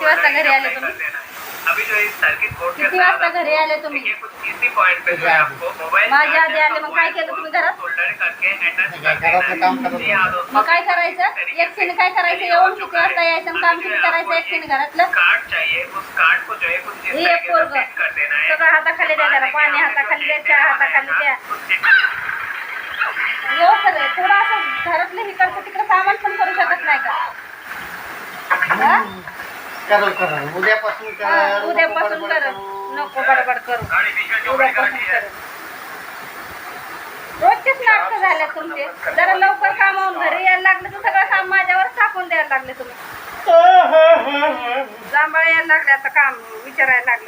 किती वाजता घरी आले तुम्ही? अभी जो इस सर्किट बोर्ड के किती वाजता घरी आले तुम्ही? ये कुछ इसी पॉइंट पे जो है आपको मोबाइल माझ्या आधी आले, मग काय केलं तुम्ही घरात? सोल्डर करके अटैच घरातलं काम करत जी हाँ दोस्तों, मग काय करायचं? एकटीने काय करायचं? येऊन किती वाजता यायचं आणि काम किती करायचं एकटीने घरातलं? कार्ड चाहिए, उस कार्ड को जो है कुछ इस हे तरीके से पोरगं. सेट कर देना है। सगळं हाताखाली द्या, जरा पाणी हाताखाली द्या, चहा हाताखाली द्या. येऊ खरं थोडं असं घरातलं इकडचं तिकडं सामान पण करू शकत नाही का? हा? करू उद्यापासून कर. उद्यापासून कर, नको बडबड करू. उद्यापासून कर. रोजचेच नाटकं झाले तुमचे. जरा लवकर कामावून घरी यायला लागले तर सगळं काम माझ्यावर टाकून द्यायला लागले तुम्ही. जांभळ यायला लागले आता काम विचारायला लागलं.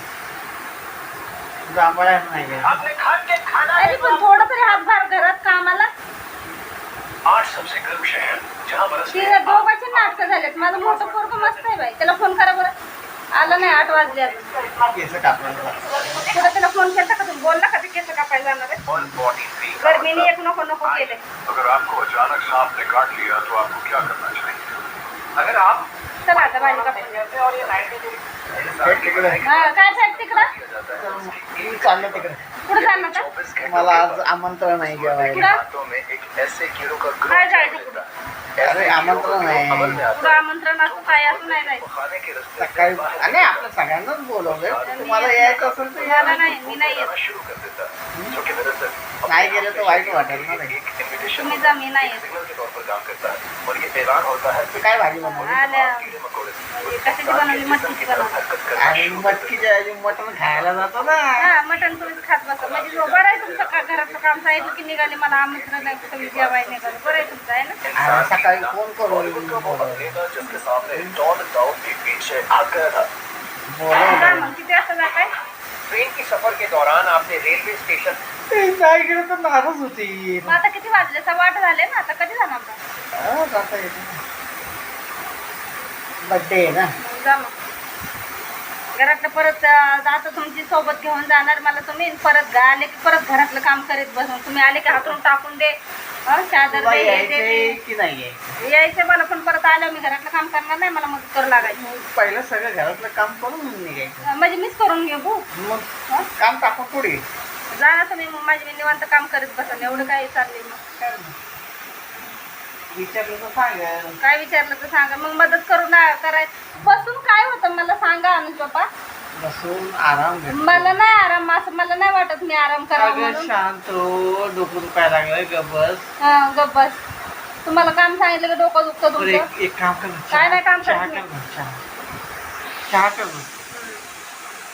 जांभळ्या नाही तरी पण थोडं तरी हातभार घरात कामाला. 8 सबसे गर्म शहर जहां बरस तिला दोघांचे नाटकं झालेत. माझं मोठं पोरगं मस्त आहे बाई. त्याला फोन करा बरं. आलं नाही 8 वाजले अजून. केस कापला. पुढे त्याला फोन केला का तुम्ही? बोलला का ते केस कापायला जाणार आहे? और बॉडी फ्री गर्मीने एक नको नको केले. अगर आपको अचानक सांप ने काट लिया तो आपको क्या करना चाहिए? अगर आप चला आता भाजी कापून द्या. और ये 90 तिकडे हा काय साहेब तिकडं? मी चाललो तिकडे. कुठं जाणार का? 24 घंटों मला आज आमंत्रण आहे जेवायला. कुठं? हाथों में एक ऐसे कीड़ों का काय ग्रुप जायचं रहता कुठं? है। ऐसे अरे, कीड़ों का आमंत्रण ग्रुप आहे. अमल में आता पुढं आमंत्रण असं काय असं नाही है। जायचं. वो खाने के रास्ते सकाळी बाहर आणि आपल्या सगळ्यांनाच बोलवलंय. तुम्हाला यायचं असेल तर या. मला नाही, मी नाही येत. जाना शुरू कर देता है, जो कि दरअसल नाही गेलं तर वाईट वाटेल ना रे. एक इन्विटेशन तुम्ही जा, मी नाही येत. सिग्नल के तौर पर काम करता है और ये ऐलान होता है तू काय भाजी बनवली? आल्या. कीड़े मकोड़े कशाची बनवली? मटकीची बनवली. हरकत करना आणि शुरू कर देते मटकीच्या ऐवजी मटण खायला जातो ना. हा मटण तुम्हीच खात बसा. म्हणजे जो बरं आहे तुमचं घरातलं काम सांगितलं की निघाले. मला आमंत्रण नाही कुठं मी जेवायला निघाले. बरं आहे तुमचं आहे ना? आणि सकाळी फोन करून बॉलीवुड का वो बोलवलं. अभिनेता जिसके सामने डॉन दाऊद के पीछे आ गया था। जा बोलवलं. मग किती वाजता जाताय? ट्रेन की सफर के दौरान आपने रेलवे स्टेशन ते नाही गेलं तर नाराज होती. मग आता किती वाजले? 8:15 झाले ना. आता कधी जाणार मग? जाता येते. बड्डे आहे ना. मग जा मग. घरातलं परत आता तुमची सोबत घेऊन जाणार मला तुम्ही. परत आले की परत घरातलं काम करीत बसून. तुम्ही आले की हातून टाकून दे. चादर तुला दे, हे दे, यायचंय ते. की नाही यायचं? यायचं मला पण परत आलं मी घरातलं काम करणार नाही. मला मदत करू लागायची. पहिलं सगळं घरातलं काम करून निघायचं. म्हणजे मीच करून घेऊ भाऊ. मग काम टाकून पुढे जा ना तुम्ही. मग माझी मी निवांत काम करीत बसा. एवढं काय चाललंय मग? विचारलं तर सांगेल. काय विचारलं तर सांगा. मग मदत करू ना करायचं. बसून काय होतं मला सांगा अनुज बाबा. बसून आराम घे. मला नाही आराम असं मला नाही वाटत मी आराम करावं अगं म्हणून. शांत हो. डोकं दुखायला लागलंय. गबस. हा गप्प बस. तुम्हाला काम सांगितलं की डोकं दुखतं तुमचं. एक काम कर. काय नाही काम चहा करत कर मी. ना. चहा कर ना.